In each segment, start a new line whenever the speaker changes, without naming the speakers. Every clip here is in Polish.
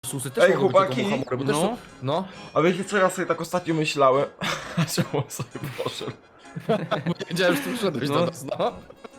Ursusy też
Ej,
mogą być
chłopaki.
taką muchomorę, bo też
No.
są... No.
A wiecie co ja sobie tak ostatnio myślałem? Czemu on sobie poszedł?
Wiedziałem, że ty przyszedłeś do nas, no.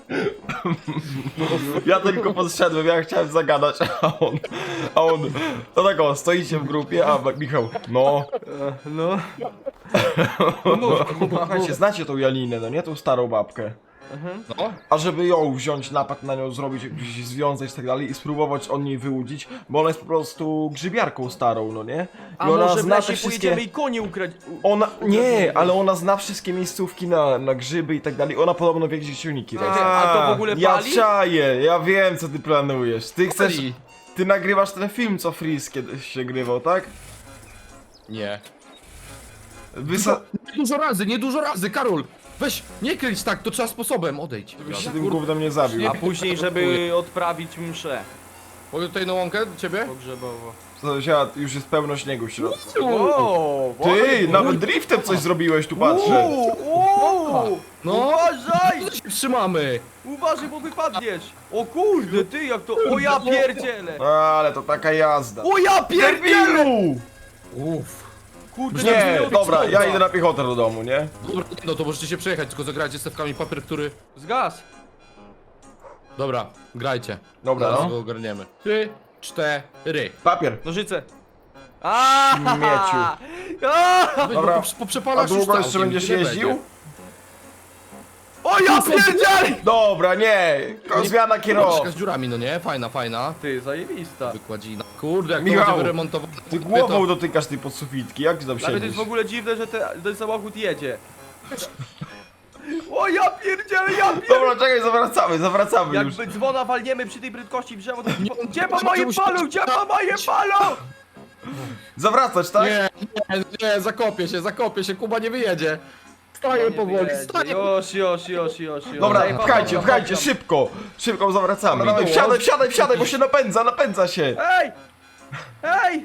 Ja tylko podszedłem, ja chciałem zagadać, a on, to tak o, stoicie w grupie, a Michał, no,
No.
słuchajcie, znacie tą Janinę, no nie, tą starą babkę.
No.
A żeby ją wziąć, napad na nią zrobić, jakiś związek i tak dalej i spróbować od niej wyłudzić, bo ona jest po prostu grzybiarką starą, no nie? I
A
ona
może w
zna
lesie
te wszystkie...
pojedziemy i konie ukraść?
Ona, nie, ale ona zna wszystkie miejscówki na grzyby i tak dalej, ona podobno wie, gdzie silniki rosną.
A to w ogóle
Ja
pali?
czaję, ja wiem co ty planujesz, ty chcesz...
Pali.
Ty nagrywasz ten film, co Freeze kiedyś się grywał, tak?
Nie.
Wysa...
Nie dużo razy, Karol! Weź, nie kręć tak, to trzeba sposobem, odejdź.
Byś się tym gównem nie zabił.
A później, żeby odprawić mszę
Mogę tutaj na łąkę do ciebie?
pogrzebowo.
Już jest pełno śniegu w środku.
O,
Ty, nawet driftem coś zrobiłeś, tu patrzę.
No,
Uważaj!
to się trzymamy!
Uważaj, bo wypadniesz! O kurde, ty jak to... O ja pierdzielę!
Ale to taka jazda.
O ja pierdzielę!
Debilu!
Uff.
Kurde,
Nie,
tak
dobra,
zrobić
ja
czołga.
idę na piechotę do domu, nie?
Dobra, no to możecie się przejechać, tylko zagrajcie stawkami papier, który...
Zgas!
Dobra, grajcie.
Dobra,
Zaraz
no.
go ogarniemy. 3, 4.
Papier.
Nożyce! Aaaa!
Śmieciu.
Aaaa!
Dobra.
Poprzepalasz
A długo
już
jeszcze
całkiem,
będziesz
tyle
jeździł?
będzie.
O ja pierdzielę!
Dobra, nie! Zmiana kierowcy.
Troszkę z dziurami, no nie? Fajna, fajna.
Ty, zajebista.
Wykładzina. Kurde, jak
Michał,
to będzie wyremontowane.
Ty głową dotykasz tej podsufitki, jak ty tam
Nawet to
siedzisz?
jest w ogóle dziwne, że ten samochód jedzie. O ja pierdzielę, ja pierdzielę!
Dobra, czekaj, zawracamy już.
Jakby dzwona walniemy przy tej prędkości w drzewo, to... Gdzie ma
to
moje
musi-
palu? Gdzie ma moje palu?
Zawracać, tak?
Nie, zakopię się, Kuba nie wyjedzie. Staję powoli, staję.
Już.
Dobra,
Zajebałem,
pchajcie, szybko zawracamy. Dawaj, wsiadaj, bo się napędza się.
Ej! Ej!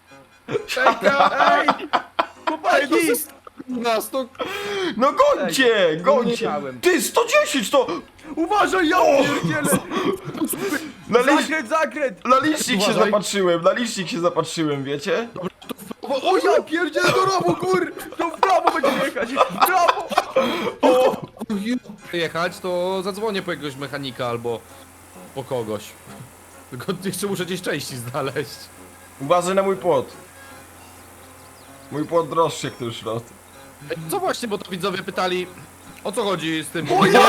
Ej! Chłopaki!
Nas to...
No gońcie!
nie chciałem.
Ty, 110 to...
Uważaj, ja pierdzielę! Zakręt!
Na licznik się
Uważaj.
zapatrzyłem, wiecie?
O ja pierdzielę do rowu, kur! To w prawo będziemy jechać! W prawo!
Jechać, to zadzwonię po jakiegoś mechanika albo po kogoś. Tylko jeszcze muszę gdzieś części znaleźć.
Uważaj na mój płot. Mój płot droższy jak ten szrot.
Ej, co właśnie, bo to widzowie pytali, o co chodzi z tym...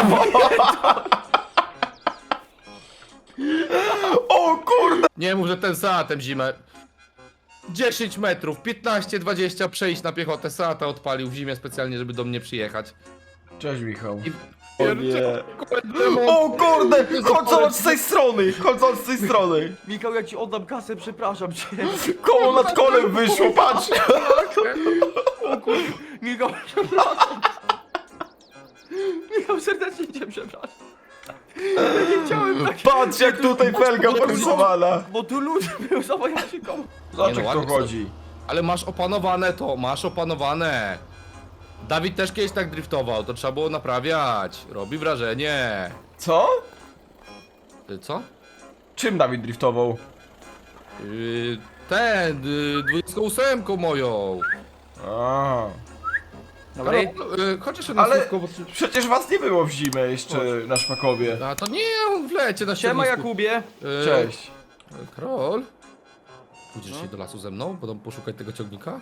O kurde!
Nie mów, że ten Seatem zimę. 10 metrów, 15-20 przejść na piechotę. Seata odpalił w zimie specjalnie, żeby do mnie przyjechać.
Cześć Michał.
I-
O nie.
Demon.
O kurde! Chodź zobacz z tej strony!
Michał, jak ci oddam kasę, przepraszam cię.
Koło nad kolem wyszło, patrz!
Michał, przepraszam. Michał, serdecznie cię przepraszam. Ja nie chciałem tak...
Patrz jak tutaj felga porysowana!
Bo tu ludzie był zawojaczyką.
Zobacz
Nie no,
jak to
ładnie
chodzi.
Ale masz opanowane to, masz opanowane. Dawid też kiedyś tak driftował, to trzeba było naprawiać. Robi wrażenie.
Co?
Ty co?
Czym Dawid driftował?
Ten, 28 moją.
A.
Dobra.
Chodź jeszcze na
Ale
słówko, bo...
przecież was nie było w zimę jeszcze na Szpakowie.
A to nie, on w lecie na
Siema,
ściernisku.
Jakubie.
Cześć.
Karol? Pójdziesz dzisiaj do lasu ze mną? Będą poszukać tego ciągnika?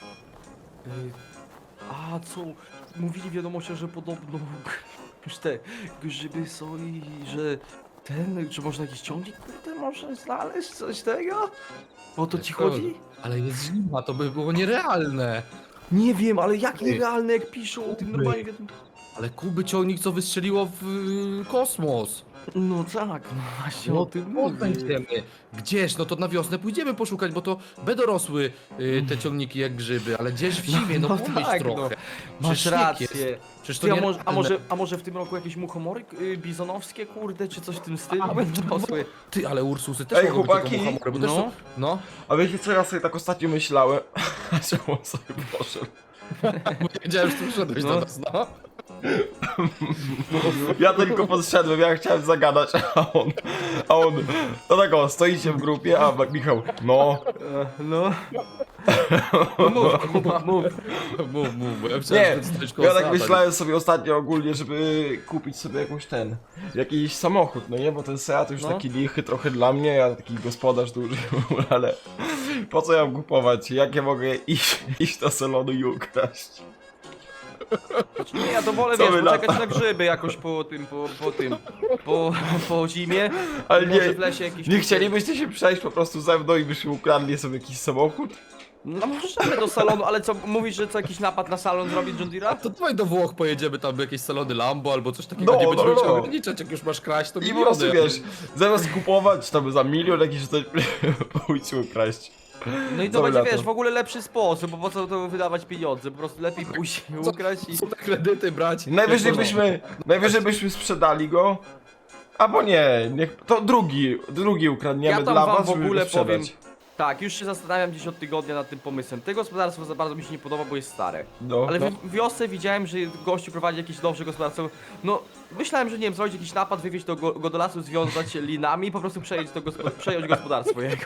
A co? Mówili w wiadomościach, że podobno już te grzyby są i że czy można jakiś ciągnik kurde można znaleźć? Coś tego? O to ci chodzi?
Ale jest zima, to by było nierealne.
Nie wiem, ale jak nierealne jak piszą o tym normalnie.
Ale Kuby ciągnik co wystrzeliło w kosmos.
No tak, no właśnie o tym mówię.
Będziemy. Gdzież? No to na wiosnę pójdziemy poszukać, bo to będą rosły te ciągniki jak grzyby, ale gdzieś w zimie, no,
no
pomyśl
tak,
trochę.
Masz
Przecież śnieg
rację.
jest. Przecież to
Ty,
nierealne.
a może w tym roku jakieś muchomory bizonowskie, kurde, czy coś w tym stylu będą rosły?
Ty, ale Ursusy też
Ej,
mogą być
chłopaki.
taką muchomorę, bo też
No.
są... No.
A wiecie co ja sobie tak ostatnio myślałem? Czemu on sobie poszedł?
Wiedziałem, że ty przyszedłeś
No.
do nas, no.
Ja tylko podszedłem, ja chciałem zagadać, a on, to tak o, stoicie w grupie, a Michał, no,
No. Mów, Kuba, mów.
Mów, bo ja myślałem,
nie,
że to jest coś koło
ja tak
Seata.
myślałem sobie ostatnio ogólnie, żeby kupić sobie jakiś samochód, no nie, bo ten Seat już
No.
taki lichy trochę dla mnie, ja taki gospodarz duży, ale po co ja mam kupować, jak ja mogę iść do salonu i ukraść?
Nie, ja to wolę,
Co
wiesz,
wy na
poczekać na grzyby jakoś po zimie.
Ale
Może
nie,
w lesie jakiś...
nie chcielibyście się przejść po prostu ze mną i byśmy ukradli sobie jakiś samochód?
No możemy do salonu, ale co, mówisz, że co, jakiś napad na salon zrobić John Deere'a?
To dawaj do Włoch pojedziemy, tam jakieś salony Lambo albo coś takiego,
No,
nie będziemy
no,
chciał
no.
ograniczać, jak już masz kraść, to
I po
miliony.
prostu wiesz, zamiast kupować tam za milion jakiś coś, pójdź ukraść.
No i
Co
to
wy
będzie,
na to?
wiesz, w ogóle lepszy sposób, bo po co to wydawać pieniądze, po prostu lepiej pójść i ukraść i...
Co te kredyty brać?
Najwyżej
Jak
byśmy sprzedali go, albo nie, to drugi ukradniemy
Ja tam
dla
wam
was,
w
żeby
ogóle
go sprzedać.
powiem... Tak, już się zastanawiam gdzieś od tygodnia nad tym pomysłem. Te gospodarstwo za bardzo mi się nie podoba, bo jest stare.
No,
Ale
no.
w wiosce widziałem, że gościu prowadzi jakieś dobrze gospodarstwo. No, myślałem, że nie wiem, zrobić jakiś napad, wywieźć go do lasu, związać linami i po prostu przejąć gospodarstwo jego.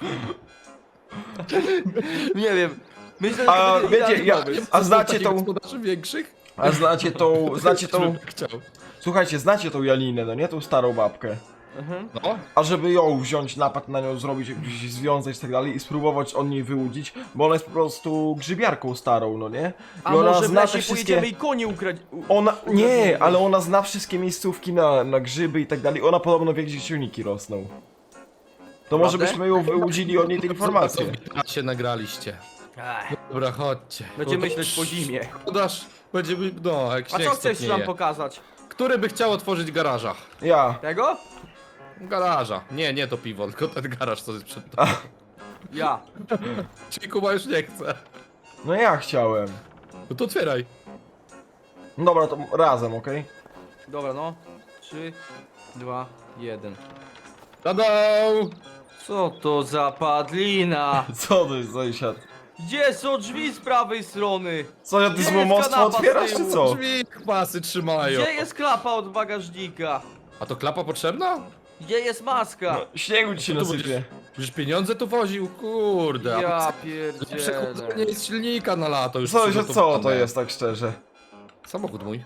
Nie wiem. Myślę, że
A
to będzie
wiecie,
idealny pomysł.
a znacie
takich
tą,
gospodarzy większych?
a znacie tą,
Chciał.
słuchajcie, znacie tą Janinę, no nie, tą starą babkę.
No,
A żeby ją wziąć, napad na nią zrobić, jakiś związać i tak dalej i spróbować od niej wyłudzić, bo ona jest po prostu grzybiarką starą, no nie? I
A
ona
może w
zna
lesie
te wszystkie...
pojedziemy i konie ukraść.
Nie, ale ona zna wszystkie miejscówki na grzyby i tak dalej. Ona podobno wie, gdzie silniki rosną. To może
Prawda?
byśmy ją wyłudzili od niej te informacje.
się nagraliście.
Ech,
Dobra, chodźcie.
Będziemy
No to
myśleć po zimie.
Podasz, będziemy, no, jak
A
śnieg
co chcesz
stopnieje.
nam pokazać?
Który by chciał otworzyć garaża?
Ja.
Tego?
Garaża. Nie to piwo, tylko ten garaż, co jest przed
Ja.
Czyli Kuba już nie chce.
No ja chciałem.
No to otwieraj.
No dobra, to razem, okej?
Dobra, no. 3, 2, 1.
Tada!
Co to za padlina?
Co to jest sąsiad?
Gdzie są drzwi z prawej strony?
Sąsiad, ty
Gdzie
złomostwo
jest kanapa z
otwierasz, czy
tyłu?
co?
Drzwi pasy trzymają.
Gdzie jest klapa od bagażnika?
A to klapa potrzebna?
Gdzie jest maska?
No, śniegu ci się
To
nasypie.
Przecież pieniądze tu woził, kurde.
Ja
Przechodzenie
pierdzielę.
jest silnika na lato już
Sąsiad, co to
przygotowane.
jest, tak szczerze?
Samochód mój.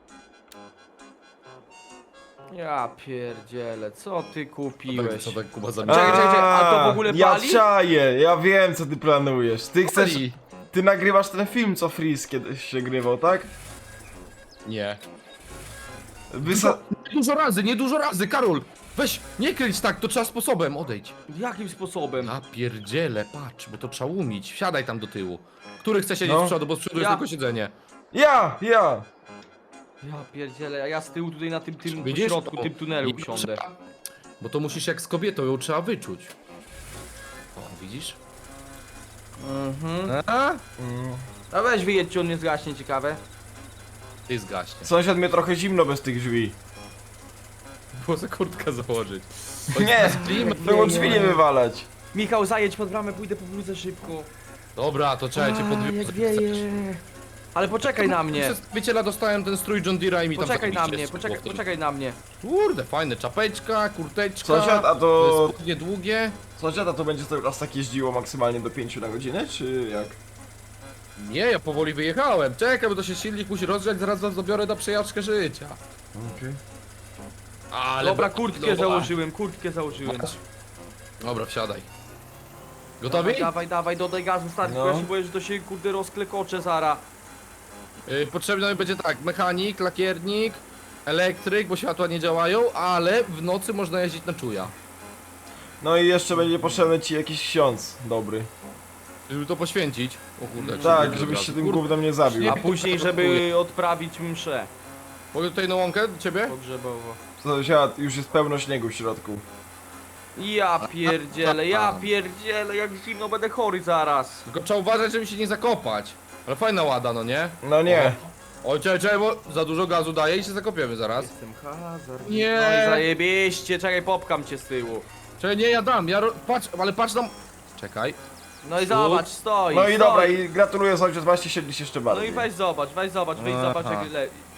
Ja pierdzielę, co ty kupiłeś?
Co tak Kuba
Czekaj, czekaj, a to w ogóle
Ja
pali?
czaję, ja wiem, co ty planujesz. Ty chcesz...
Pali.
Ty nagrywasz ten film, co Freeze kiedyś się grywał, tak?
Nie.
Wysa...
Nie dużo razy, Karol! Weź, nie kręć tak, to trzeba sposobem, odejdź.
Jakim sposobem?
Ja pierdzielę, patrz, bo to trzeba umieć. Wsiadaj tam do tyłu. Który chce siedzieć
No.
z przodu, bo z przodu jest
Ja.
tylko siedzenie.
Ja!
Ja pierdzielę, a ja z tyłu tutaj na tym po
Widzisz?
środku,
To-
tym tunelu
i
usiądę.
trzeba- Bo to musisz jak z kobietą, ją trzeba wyczuć. O, widzisz?
Mhm.
A?
A weź wyjedź, czy on nie zgaśnie, ciekawe.
Ty zgaśnie.
Sąsiad, mnie trochę zimno bez tych drzwi.
Było za kurtkę założyć.
Nie!
klimat.
Było drzwi nie wywalać.
Michał, zajedź pod bramę, pójdę po bluzę szybko.
Dobra, to trzeba cię
Jak
podwiązać.
wieje. Ale poczekaj na mnie.
Przez wieciela dostałem ten strój John Deere'a i mi tam
Poczekaj na
zakupicie
mnie,
z
poczekaj,
powrotem.
poczekaj na mnie.
Kurde, fajne, czapeczka, kurteczka.
Sąsiad, a to...
Spodnie długie.
Sąsiad, a to będzie cały czas tak jeździło maksymalnie do 5 na godzinę, czy jak?
Nie, ja powoli wyjechałem. Czekaj, bo to się silnik musi rozgrzać, zaraz was zabiorę na przejażdżkę życia.
Okej.
Ale
Dobra,
be-
kurtkę
dobra.
założyłem, kurtkę założyłem.
Masz? Dobra, wsiadaj. Gotowi?
Dawaj, dodaj gazu, stary,
No.
no. Ja się boję, że to się kurde rozklekocze zara.
Potrzebny mi będzie tak, mechanik, lakiernik, elektryk, bo światła nie działają, ale w nocy można jeździć na czuja.
No i jeszcze będzie potrzebny ci jakiś ksiądz dobry.
Żeby to poświęcić. O kurde, jak
Tak,
się
żebyś
od
się
razu.
tym gównem nie zabił.
A później, żeby odprawić mszę
Mogę tutaj na łąkę do ciebie?
pogrzebowo.
Sąsiad, już jest pełno śniegu w środku.
Ja pierdzielę, jak zimno, będę chory zaraz.
Tylko trzeba uważać, żeby się nie zakopać. Ale fajna łada, no nie?
No nie.
Oj, czekaj, bo za dużo gazu daje i się zakopiemy zaraz.
Jestem hazard.
Nie.
No i zajebiście, czekaj, popkam cię z tyłu.
Czekaj, nie, ja dam, patrz, ale patrz tam. Czekaj.
No i zobacz, stoi,
No i
stoi.
dobra, i gratuluję sąsiad, właśnie siedliś jeszcze
No
bardziej.
i weź zobacz, wyjdź
Aha.
zobacz jak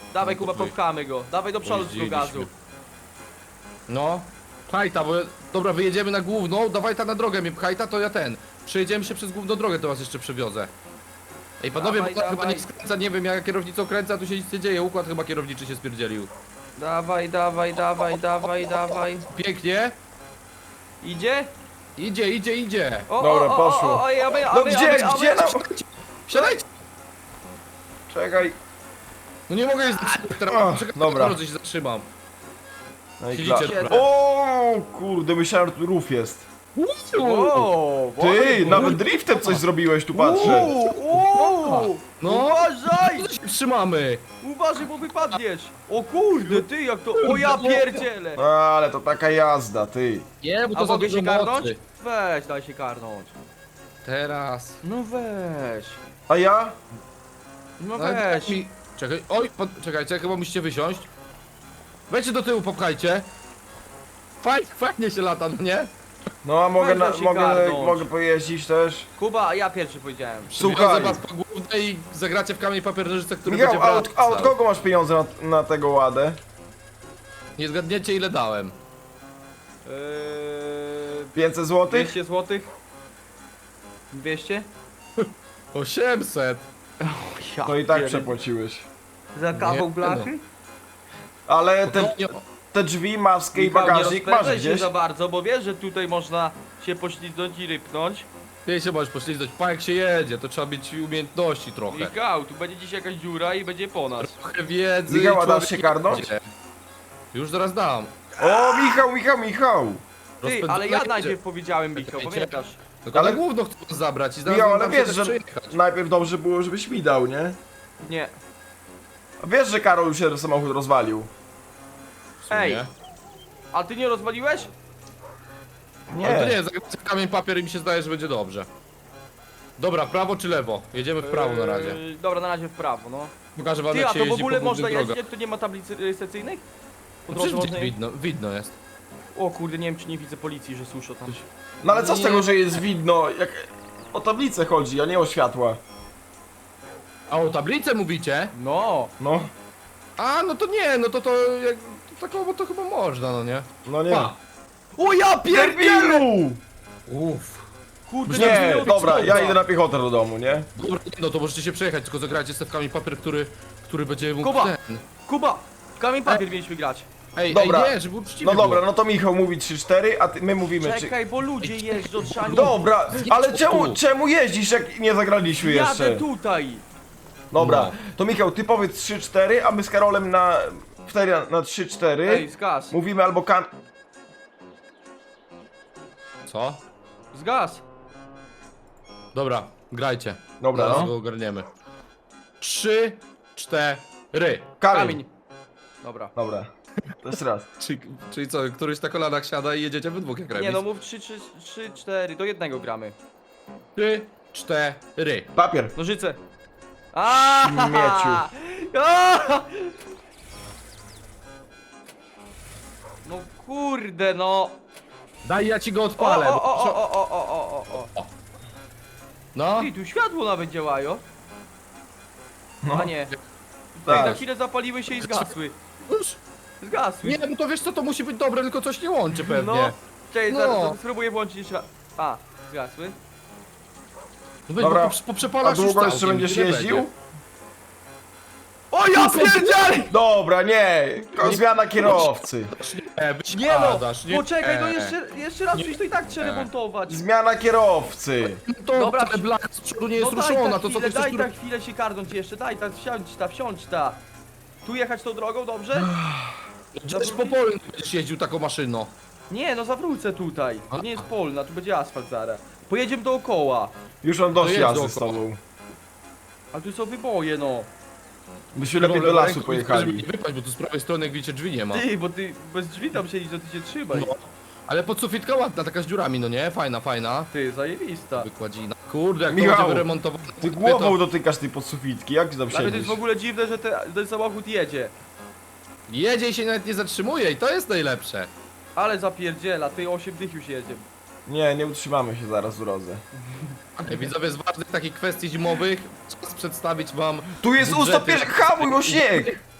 Dawaj
No
Kuba,
to wy-
popchamy go. Dawaj do przodu z tego gazu.
Pojeździliśmy. No, pchajta, bo... Dobra, wyjedziemy na główną, dawaj ta na drogę mnie pchajta, to ja ten. Przejedziemy się przez główną drogę, to was jeszcze przewiozę. Ej, panowie,
Dawaj,
bo to chyba
dawaj.
nie skręca, nie wiem, ja kierownicą kręcę, a tu się nic nie dzieje, układ chyba kierowniczy się spierdzielił.
Dawaj, dawaj, dawaj, dawaj, dawaj.
Pięknie.
Idzie?
Idzie.
O,
Dobra, poszło.
Oj,
No gdzie no?
Wsiadajcie!
Czekaj.
No nie mogę jeździć teraz,
Ach,
czekaj,
dobra.
na drodze się zatrzymam.
No i
Siedzicie,
klar.
dobra.
O kurde, myślałem, że tu rów jest.
O,
Ty, nawet driftem coś zrobiłeś, tu patrzę.
No,
Uważaj!
to się trzymamy.
Uważaj, bo wypadniesz! O kurde, ty jak to... O ja pierdzielę!
Ale to taka jazda, ty.
Nie, bo
A
to za
mogę
dużo
się karnąć?
mocy.
Weź, daj się karnąć.
Teraz.
No weź.
A ja?
No
No,
weź.
mi... Czekaj, oj, czekajcie, chyba musicie wysiąść. Wejdźcie do tyłu, popchajcie. Fajnie się lata, no nie?
No a mogę,
Weź, daj się karnąć.
mogę pojeździć też.
Kuba, ja pierwszy powiedziałem.
Słuchaj.
Przywiozę was po głównej i zagracie w kamień papier nożyce, który
Michał,
będzie wracał.
a od kogo masz pieniądze na tego ładę?
Nie zgadniecie ile dałem.
500 zł?
200 złotych? 200?
800.
Ja
To i tak
pierdzie-
przepłaciłeś.
Za kawał
Nie,
blachy?
Ale
Nie,
te drzwi, maskę i
Michał, nie
bagażnik masz
rozpędzaj się
gdzieś?
za bardzo, bo wiesz, że tutaj można się poślizgnąć i rypnąć.
Ty się możesz poślizgnąć, pa jak się jedzie, to trzeba mieć umiejętności trochę.
Michał, tu będzie dziś jakaś dziura i będzie po nas.
Trochę wiedzy.
Michał, a
człowiek
dasz się
nie
karnąć?
będzie. Już zaraz dam.
O, Michał!
Ty,
Rozpędzone
ale ja
jedzie.
najpierw powiedziałem, Michał,
Czekajcie.
pamiętasz?
Tylko
Ale-
na główno chcę was zabrać i zaraz
Michał,
wam
ale
się
wiesz,
też
że
przejechać.
najpierw dobrze było, żebyś mi dał, nie?
Nie.
A wiesz, że Karol już się samochód rozwalił?
W sumie.
Ej. A ty nie rozwaliłeś?
Ale to nie, zagracie w kamień papier i mi się zdaje, że będzie dobrze. Dobra, prawo czy lewo? Jedziemy w prawo na razie.
Dobra, na razie w prawo, no.
Pokażę wam
Ty,
jak
a
się
to w
jeździ
ogóle
po
można
głównych
jeździć,
drogach.
jak tu nie ma tablicy rejestracyjnych? Po
No
drodze
przecież
można...
widno jest.
O kurde, nie wiem czy nie widzę policji, że słyszę tam.
No ale co z
Nie.
tego, że jest widno, jak o tablicę chodzi, a nie o światła.
A o tablicę mówicie?
No.
No,
A, no to nie, no to jak... To takowo to chyba można, no nie?
no nie.
Pa.
O ja pierdzielę!
Debilu!
Uff.
Kurde,
Nie,
tak
dobra, ja
wygląda.
idę na piechotę do domu, nie?
Dobra, nie, no to możecie się przejechać, tylko zagrajcie z kamień papier, który będzie mógł
Kuba.
ten...
Kuba! W kamień papier mieliśmy grać.
Dobra.
Ej, nie, żeby uczciwie
No dobra,
było.
no to Michał mówi 3-4, a my mówimy
Czekaj, bo ludzie jeżdżą, trzeba nie...
Dobra, ale
tu.
czemu jeździsz, jak nie zagraliśmy
Jadę
jeszcze?
tutaj!
Dobra,
No.
to Michał, ty powiedz 3-4, a my z Karolem na 3-4
Ej, zgas.
mówimy albo
Co?
Zgas.
Dobra, grajcie.
Dobra,
Zaraz
no.
go ogarniemy. 3, 4.
Kamień.
Dobra.
Dobra, to jeszcze raz.
Czyli co, któryś na kolanach siada i jedziecie we dwóch jak remis?
Nie no, mów 3, 4, do jednego gramy.
3, 4.
Papier.
Nożyce. Aaaa!
Śmieciu.
Aaaa! No kurde, no.
Daj, ja ci go
O,
odpalę.
o,
bo-
o, o, o, o, o, o.
No,
Ty, tu światło nawet działają.
No.
A nie.
Tak.
Na chwilę zapaliły się i zgasły.
już.
Zgasły.
Nie, no to wiesz co, to musi być dobre, tylko coś nie łączy pewnie.
No. Czekaj,
No.
zaraz spróbuję włączyć jeszcze raz. A, zgasły.
No weź,
Dobra.
bo
A
przepalasz już
długo jeszcze
całkiem,
będziesz
tyle
jeździł?
będzie.
O ja pierdzielę!
Dobra, nie, zmiana kierowcy.
Nie no,
wysiadasz, nie.
poczekaj, no jeszcze raz przecież to i tak trzeba
Nie.
remontować.
Zmiana kierowcy.
To
Dobra,
wcale blach z przodu nie jest
No
ruszona, to co ty
daj
chcesz...
ta chwilę się karnąć jeszcze, daj ta, wsiądź ta. Tu jechać tą drogą, dobrze?
Przecież po polu nie będziesz jeździł taką maszyną.
Nie, no zawrócę tutaj. To nie jest polna, tu będzie asfalt zaraz. Pojedziemy dookoła.
Już mam dość
To jest
jazdy z
dookoła.
tobą.
Ale tu są wyboje, no.
Byśmy lepiej do lasu pojechali.
Nie wypaść, bo tu z prawej strony jak widzicie drzwi nie ma.
Ty, bo ty bez drzwi tam siedzisz, to ty się trzymaj.
No. Ale podsufitka ładna, taka z dziurami, no nie? Fajna, fajna.
Ty, zajebista.
Wykładzina. Kurde, jak
Michał,
to będzie wyremontowane.
Ty głową dotykasz tej podsufitki, jak ty tam
Dla mnie to
siedzisz?
jest w ogóle dziwne, że ten samochód jedzie.
Jedzie i się nawet nie zatrzymuje i to jest najlepsze.
Ale zapierdziela, ty 8 dych już jedzie.
Nie utrzymamy się zaraz w drodze.
Ej, widzowie, z ważnych takich kwestii zimowych czas przedstawić wam...
Tu jest
budżety.
hamuj, bo śnieg!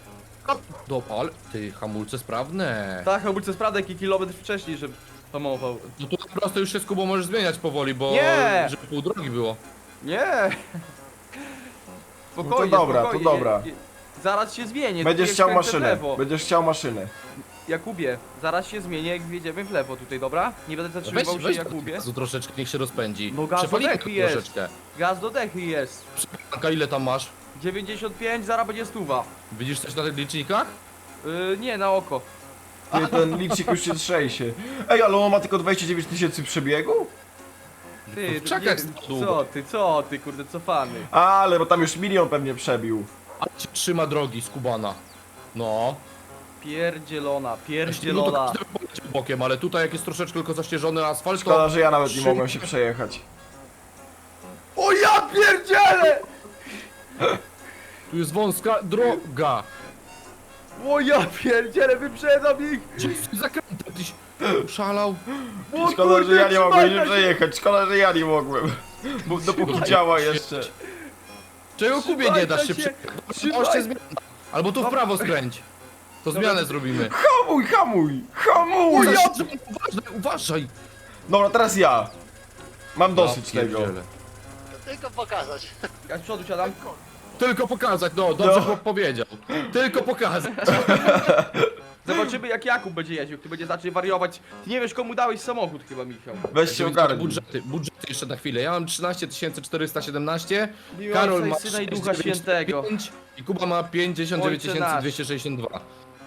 Ale ty, hamulce sprawne.
Tak, hamulce sprawdzę jaki kilometr wcześniej, że hamował.
No tu po prostu już się z Kubą możesz zmieniać powoli, bo...
Nie!
Żeby pół drogi było.
Nie! Spokojnie,
No to dobra,
spokojnie.
to dobra.
Zaraz się zmienię.
Będziesz
jak
chciał
skręcę w
maszynę.
lewo.
Będziesz chciał maszynę.
Jakubie, zaraz się zmienię jak wjedziemy w lewo tutaj, dobra? Nie będę
Weź,
zatrzymywał się
weź
Jakubie.
gazu troszeczkę, niech się rozpędzi.
No gaz
Przepalimy
do dechy
go
jest.
troszeczkę.
Gaz do dechy jest.
Anka, ile tam masz?
95, zaraz będzie 100.
Widzisz coś na tych licznikach?
Nie, na oko.
Ty, ten licznik już się trzęsie. Ej, ale on ma tylko 29 000 przebiegu?
Ty,
w czakach
nie-
stał długo.
co ty, kurde, cofany.
Ale, bo tam już milion pewnie przebił.
Ale się trzyma drogi z Kubana. No.
Pierdzielona,
No to
pierdzielona.
każdy by poleciał bokiem, ale tutaj jak jest troszeczkę tylko zaścieżony asfalt,
Szkoda,
to...
że ja nawet nie
Szybko.
mogłem się przejechać.
O ja pierdzielę!
Tu jest wąska droga.
O ja pierdzielę, wyprzedzam ich!
Gdzie zakręta? Tyś szalał.
O
Szkoda, że
kurde,
ja nie mogłem się
trzymajcie się.
przejechać. Szkoda, że ja nie mogłem. Bo dopóki
Trzymaj
działa
się.
jeszcze.
Czego Kubie nie dasz się
Trzymajcie
przejechać?
się.
Zmiana. Albo tu w prawo skręć. To zmianę zrobimy.
Hamuj, hamuj, hamuj!
Uważaj!
Dobra, teraz ja. Mam dosyć
Ja
tego.
pierdzielę.
Tylko pokazać.
Ja z przodu siadam.
Tylko pokazać, no dobrze
No.
chłop powiedział. Tylko pokazać.
Zobaczymy jak Jakub będzie jeździł, ty będzie zaczął wariować. Ty nie wiesz komu dałeś samochód chyba, Michał.
Weź się ogarnij.
Budżety jeszcze na chwilę. Ja mam 13 417,
Miłej
Karol
Ojca
ma
i Syna i Ducha Świętego.
695 i Kuba ma 59
Ojcze nasz.
262.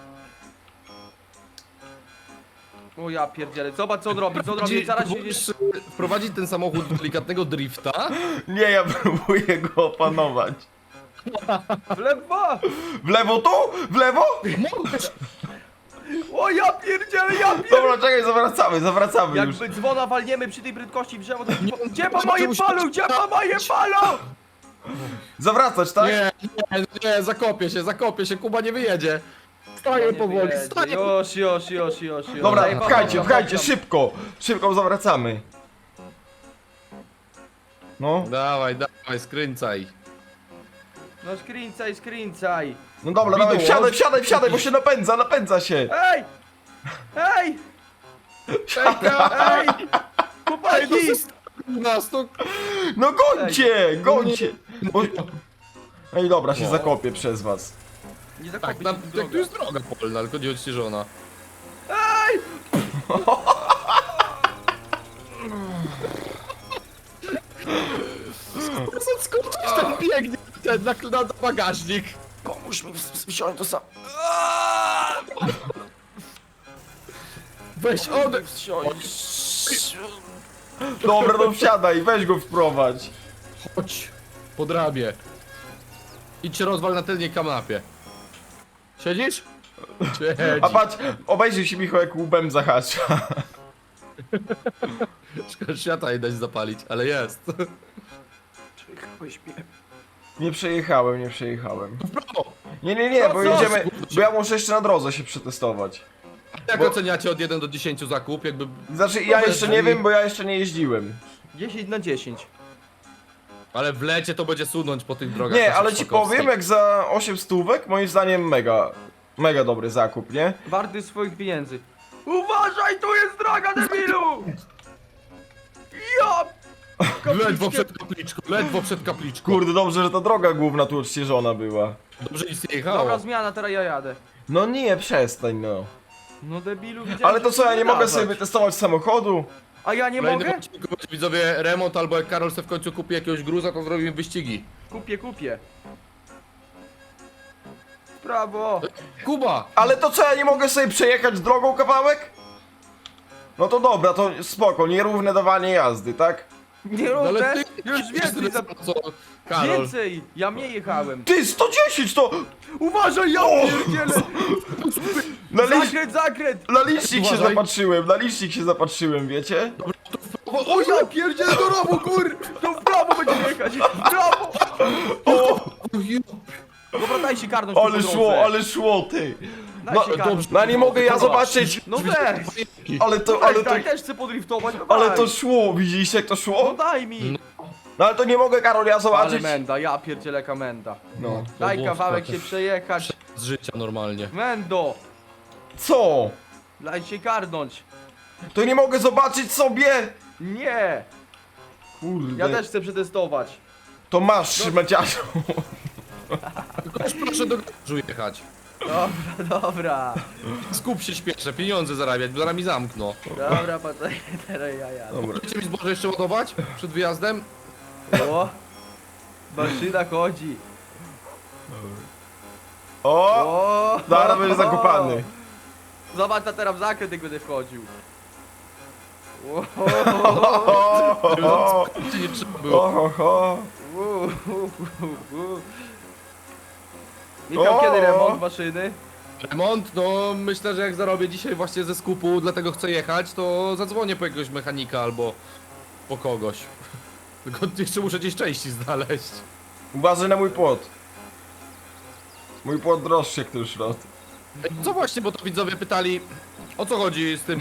O ja pierdzielę, zobacz co on robi, zaraz się...
Próbujesz wprowadzić ten samochód do delikatnego drifta.
Nie, ja próbuję go opanować.
W lewo!
W lewo tu? W lewo?
Możesz.
O ja pierdzielę,
Dobra, czekaj, zawracamy już.
Jakby dzwona walniemy przy tej prędkości w drzewo, to... Gdzie po
Czemu
moim
się-
palu, gdzie po moim palu?
Zawracać, tak?
Nie, zakopię się, Kuba nie wyjedzie. Staję powoli, staję.
Już.
Dobra,
Daję
pchajcie,
panu,
pchajcie,
panu.
szybko zawracamy. No,
Dawaj, skręcaj.
No skręcaj.
no dobra, dawaj,
Widło.
wsiadaj, bo się napędza się.
Ej! Ej! Ej! Chłopaki!
Nas to...
No gońcie! Bo... Ej, dobra, się zakopię przez was.
Nie
Tak,
zakopię
tam,
się w
tu
drogę.
jest droga polna, tylko nie odśnieżona.
Ej!
Skąd ten biegnie ten na bagażnik?
Pomóż mi wsiąść to sam.
Weź
Dobra, no wsiadaj, weź go wprowadź.
Chodź, pod ramię. Idź się rozwal na tylnej kanapie. Siedzisz?
A patrz, obejrzyj się Michał, jak łbem zahacza.
Szkoda, świata nie dać zapalić, ale jest.
Nie przejechałem.
W prawo!
Nie, bo
co?
jedziemy, bo ja muszę jeszcze na drodze się przetestować.
Jak
Bo-
oceniacie od 1 do 10 zakup? Jakby...
Znaczy, ja
bez
jeszcze nie
drzwi.
wiem, bo ja jeszcze nie jeździłem.
10 na 10.
Ale w lecie to będzie sunąć po tych drogach.
Nie,
naszych
ale ci
szpakowskich.
powiem, jak za 8 stówek, moim zdaniem mega dobry zakup, nie?
Warty swoich pieniędzy. Uważaj, tu jest droga, debilu! Ja!
Ledwo przed kapliczką.
Kurde, dobrze, że ta droga główna tu odśnieżona była.
Dobrze nic nie jechało.
Dobra zmiana, teraz ja jadę.
No nie, przestań no.
No debilu, widziałem,
Ale to
że
co, ja nie mogę
dawać.
sobie wytestować samochodu?
A ja nie
Kolejny
mogę?
odcinku będzie, widzowie, remont, albo jak Karol se w końcu kupi jakiegoś gruza, to zrobimy wyścigi.
Kupię. Brawo!
Kuba!
Ale to co, ja nie mogę sobie przejechać drogą kawałek? No to dobra, to spoko, nierówne dawanie jazdy, tak?
Nie
No ale
równe!
ty...
Już więcej za...
Co? Karol.
Więcej! Ja mniej jechałem.
Ty, 110 to...
Uważaj, ja pierdzielę! Zakręt!
Na licznik się
Uważaj.
zapatrzyłem, wiecie?
O ja pierdzielę do rowu, kur! To w prawo będzie jechać! W prawo! Dobra, daj się karnąć tu po drodze.
Ale szło, ty.
Daj
No,
się karnąć.
dobrze.
No nie mogę ja zobaczyć.
No weź!
Ale to
Daj, też chcę podriftować, no
Ale
daj.
to szło, widzieliście jak to
No
szło?
daj mi!
No ale to nie mogę, Karol, ja
Ale
zobaczyć.
menda, ja pierdzielę menda.
No.
Daj
było
kawałek
spoko.
się przejechać.
z życia normalnie.
Mendo!
Co?
Daj się karnąć!
To nie mogę zobaczyć sobie!
Nie!
Kurde.
Ja też chcę przetestować.
To masz, szmaciarzu.
Tylko już proszę do garażu jechać.
Dobra, dobra.
Skup się, śpieszę, pieniądze zarabiać, bo zaraz mi zamkną.
Dobra, patrzaj, teraz ja jadę.
Dobra.
Chcecie mi zboże jeszcze ładować przed wyjazdem?
O! Maszyna chodzi.
O!
O!
Zaraz będzie zakopany.
Zobacz, a teraz w zakręt jak będę wchodził. O,
O,
Czy nie trzeba było?
ho.
Michał,
O!
kiedy remont maszyny?
Remont? No myślę, że jak zarobię dzisiaj właśnie ze skupu, dlatego chcę jechać, to zadzwonię po jakiegoś mechanika albo po kogoś. Tylko jeszcze muszę gdzieś części znaleźć.
Uważaj na mój płot. Mój płot droższy jak ten szrot.
Ej, co właśnie, bo to widzowie pytali, o co chodzi z tym?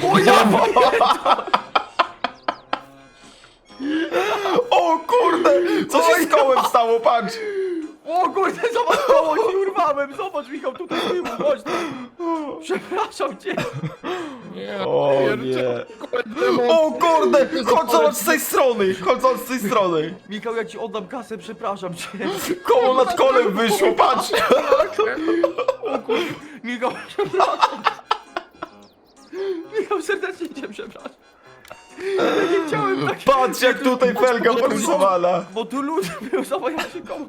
O kurde! Co się z kołem stało, patrz!
O kurde, zobacz, koło się urwałem. Zobacz, Michał, tutaj z tyłu, chodź tu. Przepraszam cię.
Nie,
O
pierdzielę.
nie! O kurde! Chodź zobacz z tej strony! Chodź zobacz z tej strony!
Michał, ja ci oddam kasę, przepraszam cię.
Koło nad kolem wyszło, patrz!
O kurde, Michał, przepraszam. Michał, serdecznie cię przepraszam. Ja nie chciałem tak,
Patrz jak tutaj felga porysowana!
bo tu lud był, zobacz, ja się komu.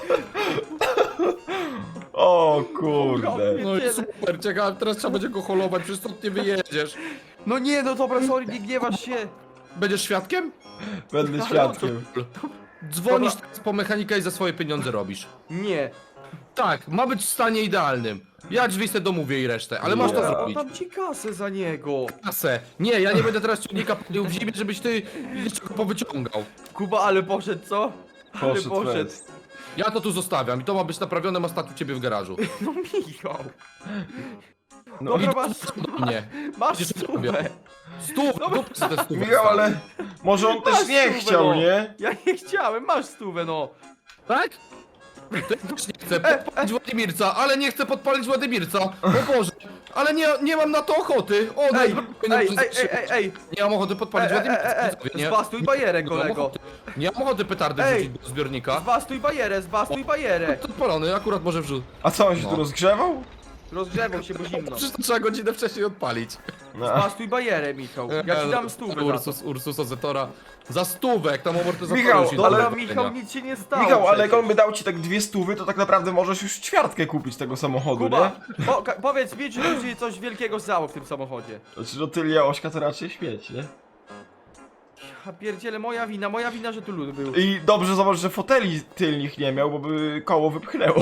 O kurde!
No i super, ciekawe, teraz trzeba będzie go holować, przecież stąd nie wyjedziesz.
No nie, no dobra, sorry, nie gniewasz się.
Będziesz świadkiem?
Będę świadkiem.
Dzwonisz teraz po mechanika i za swoje pieniądze robisz.
Nie.
Tak, ma być w stanie idealnym. Ja drzwi se domówię i resztę, ale masz to
Ja
zrobić.
Dam ci kasę za niego.
Kasę. Nie, ja nie będę teraz ciągnika palił w zimie, żebyś ty jeszcze go powyciągał.
Kuba, ale poszedł, co? Ale
Poszedł
poszedł.
fest.
Ja to tu zostawiam i to ma być naprawione, ma stać u ciebie w garażu.
No Michał.
No,
Dobra,
I
masz,
do mnie.
masz
Przecież
stówę.
Stów, dupy sobie te stówy.
Michał, ale może on też
Masz
nie
stówę,
chciał,
no.
nie?
Ja nie chciałem, masz stówę, no.
Tak? To ja też nie chcę podpalić Władimirca, ale nie chcę podpalić Władimirca. O Boże, ale nie mam na to ochoty. O,
Ej, ej.
Nie mam ochoty podpalić Władimirca. Nie,
Zbastuj bajerę,
nie mam
kolego.
ochoty. Nie mam ochoty petardy
Ej.
wrzucić do zbiornika.
Zbastuj bajerę.
To odpalony, akurat może wrzuć.
A co, on się
No.
tu rozgrzewał?
Rozgrzewał się, bo zimno.
Przecież to trzeba godzinę wcześniej odpalić.
No.
Zbastuj bajerę, Michał. Ja ci dam stówę za to.
Ursus Ozetora. Za stówę, jak tam amortyzator
Michał,
już idzie
ale-
do
Dobra,
wypełnienia.
Michał, nic się nie stało.
Michał, ale jak
przecież.
on by dał ci tak 200, to tak naprawdę możesz już ćwiartkę kupić tego samochodu,
Kuba,
nie?
powiedz mi, czy tu się coś wielkiego stało w tym samochodzie.
Znaczy, no Tylia Ośka to raczej śmieć, nie?
A pierdziele, moja wina, że tu lud był.
I dobrze zobacz, że foteli tylnych nie miał, bo by koło wypchnęło.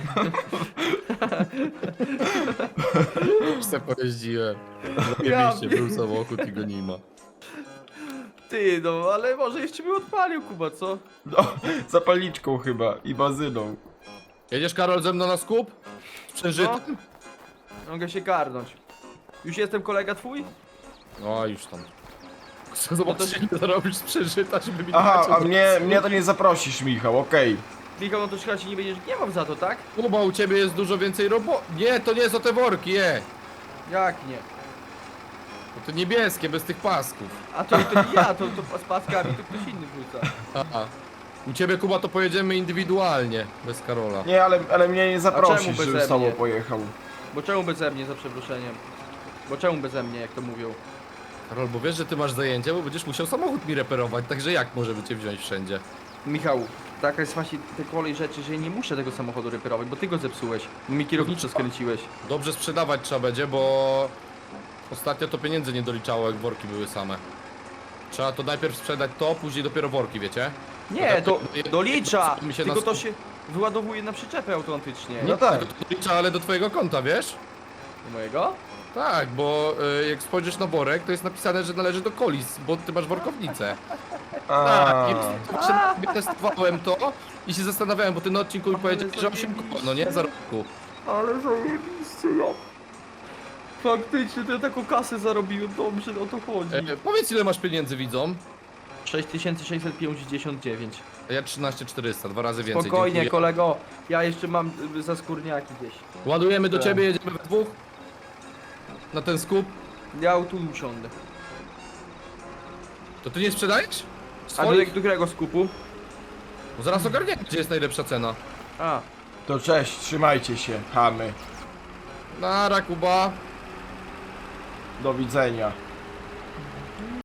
Już se pojeździłem.
Ja
Zajebiście, był samochód i go nie ma.
Ty, no, ale może jeszcze by odpalił, Kuba, co?
No, zapalniczką chyba i bazyną.
Jedziesz, Karol, ze mną na skup? Z przężytem?
Mogę się karnąć. Już jestem kolega twój?
No, już tam. Chcę zobaczyć, ile zarobisz z przężyta, żeby mi
Aha,
dać
a mnie to nie zaprosisz, Michał, okej.
Michał, no to chyba się nie będziesz gniewał za to, tak?
Kuba, u ciebie jest dużo więcej roboty. Nie, to nie są te worki,
Jak nie?
To niebieskie, bez tych pasków.
A to nie ja, to z paskami to ktoś inny wrzuca.
Aha. U ciebie, Kuba, to pojedziemy indywidualnie, bez Karola.
Nie, ale mnie nie zaprosisz,
czemu
żebym
beze
z tobą
mnie?
pojechał.
Bo czemu beze mnie, za przeproszeniem? Bo czemu beze mnie, jak to mówią?
Karol, bo wiesz, że ty masz zajęcie, bo będziesz musiał samochód mi reperować, także jak możemy cię wziąć wszędzie?
Michał, taka jest właśnie te kolej rzeczy, że ja nie muszę tego samochodu reperować, bo ty go zepsułeś. Mi kierowniczo skręciłeś.
Dobrze sprzedawać trzeba będzie, bo ostatnio to pieniędzy nie doliczało, jak worki były same. Trzeba to najpierw sprzedać to, później dopiero worki, wiecie?
Nie, to dolicza!
Mi się
Tylko
na-
to się wyładowuje na przyczepę autentycznie.
No tak.
To dolicza, ale do twojego konta, wiesz?
Do mojego?
Tak, bo jak spojrzysz na worek, to jest napisane, że należy do Kolis, bo ty masz workownicę. Tak, i właśnie testowałem to i się zastanawiałem, bo ty na odcinku mi powiedziałeś, że 8 koło, no nie? Za roku.
Ale zajebiście, ja. Faktycznie, to ja taką kasę zarobiłem, dobrze, o to chodzi.
Powiedz, ile masz pieniędzy, widzom?
6659.
Ja 13400, 2 razy więcej.
Spokojnie,
dziękuję.
kolego. Ja jeszcze mam za skórniaki gdzieś.
Ładujemy do ciebie, jedziemy we dwóch. Na ten skup.
Ja tu usiądę.
To ty nie sprzedajesz?
A
Swoich?
do którego skupu?
Bo zaraz ogarniemy, gdzie jest najlepsza cena.
A,
To cześć, trzymajcie się, chamy.
Nara, Kuba.
Do widzenia.